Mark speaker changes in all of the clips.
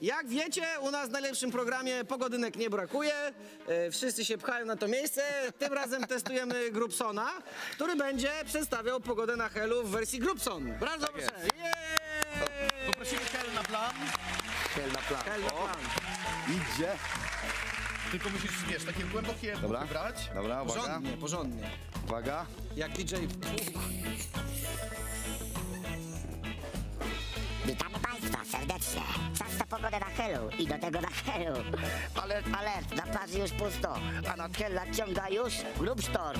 Speaker 1: Jak wiecie, u nas w najlepszym programie pogodynek nie brakuje. Wszyscy się pchają na to miejsce. Tym razem testujemy Grubsona, który będzie przedstawiał pogodę na Helu w wersji Grubson. Bardzo proszę.
Speaker 2: Poprosimy Hel na plan.
Speaker 3: Hel na plan.
Speaker 1: Hel na plan.
Speaker 3: Idzie.
Speaker 2: Tylko musisz, wiesz, takie głębokie wybrać.
Speaker 3: Dobra, uwaga.
Speaker 1: Porządnie, porządnie.
Speaker 3: Uwaga.
Speaker 1: Jak DJ.
Speaker 4: Witamy Państwa serdecznie. Czas na pogodę na Helu i do tego na Helu. Alert, alert, na plaży już pusto, a nad Hel nadciąga już Grubstorm.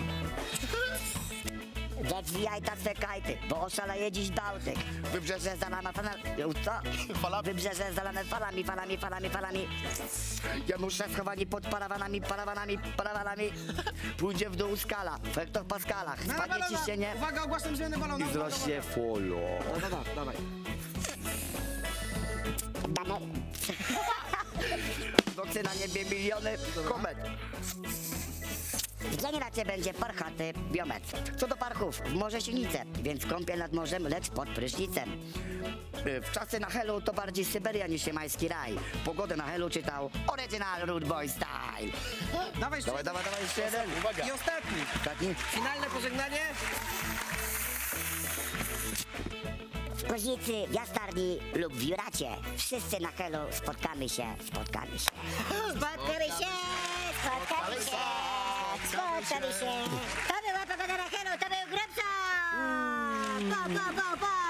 Speaker 4: Zwijaj ta swe kajty, bo oszaleje dziś Bałtyk. Wybrzeże zalane falami. Co? Wybrzeże zalane falami, falami, falami, falami. Janusze schowani pod parawanami. Pójdzie w dół skala, w hektopaskalach. Spadnie ciśnienie
Speaker 1: Uwaga, ogłaszam zmianę balona.
Speaker 3: I wzrośnie folo.
Speaker 1: Dawaj.
Speaker 4: W nocy na niebie miliony komet. W dzień raczej będzie parchaty biometr. Co do parchów, w morze silnice, więc kąpiel nad morzem, lecz pod prysznicem. W czasy na Helu to bardziej Syberia niż jamański raj. Pogodę na Helu czytał Original Rude Boy Style.
Speaker 1: Dawaj,
Speaker 4: Dawaj, jeszcze jeden.
Speaker 2: Uwaga.
Speaker 1: I ostatni. Finalne pożegnanie.
Speaker 4: W Koźnicy, w Jastarni lub w Juracie. Wszyscy na Helu spotkamy się. Spotkamy się. To była pogoda na Helu, to był Grubson!